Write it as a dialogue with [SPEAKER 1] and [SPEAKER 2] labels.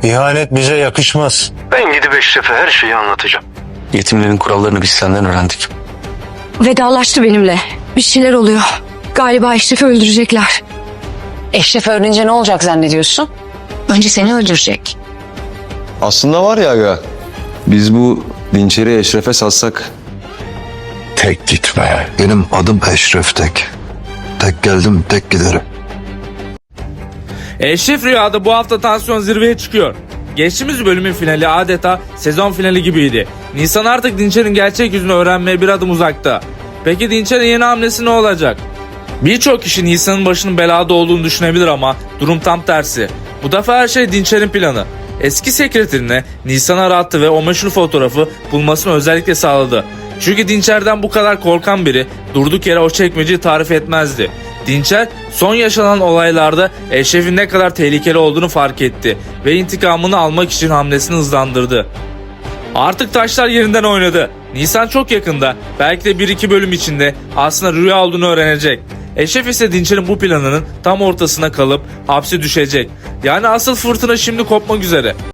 [SPEAKER 1] İhanet bize yakışmaz.
[SPEAKER 2] Ben gidip Eşref'e her şeyi anlatacağım.
[SPEAKER 3] Yetimlerin kurallarını biz senden öğrendik.
[SPEAKER 4] Vedalaştı benimle. Bir şeyler oluyor. Galiba Eşref'i öldürecekler.
[SPEAKER 5] Eşref öğrenince ne olacak zannediyorsun? Önce seni öldürecek.
[SPEAKER 6] Aslında var ya aga, biz bu Dinçer'i Eşref'e satsak.
[SPEAKER 7] Tek gitme. Benim adım Eşref Tek. Tek geldim, tek giderim.
[SPEAKER 8] Eşref Rüya'da bu hafta tansiyon zirveye çıkıyor. Geçtiğimiz bölümün finali adeta sezon finali gibiydi. Nisan artık Dinçer'in gerçek yüzünü öğrenmeye bir adım uzakta. Peki Dinçer'in yeni hamlesi ne olacak? Birçok kişi Nisan'ın başının belada olduğunu düşünebilir ama durum tam tersi. Bu defa her şey Dinçer'in planı. Eski sekreterine Nisan'ı arattı ve o meşhur fotoğrafı bulmasını özellikle sağladı. Çünkü Dinçer'den bu kadar korkan biri durduk yere o çekmeceyi tarif etmezdi. Dinçer son yaşanan olaylarda Eşref'in ne kadar tehlikeli olduğunu fark etti ve intikamını almak için hamlesini hızlandırdı. Artık taşlar yerinden oynadı. Nisan çok yakında, belki de 1-2 bölüm içinde aslında rüya olduğunu öğrenecek. Eşref ise Dinçer'in bu planının tam ortasına kalıp hapse düşecek. Yani asıl fırtına şimdi kopmak üzere.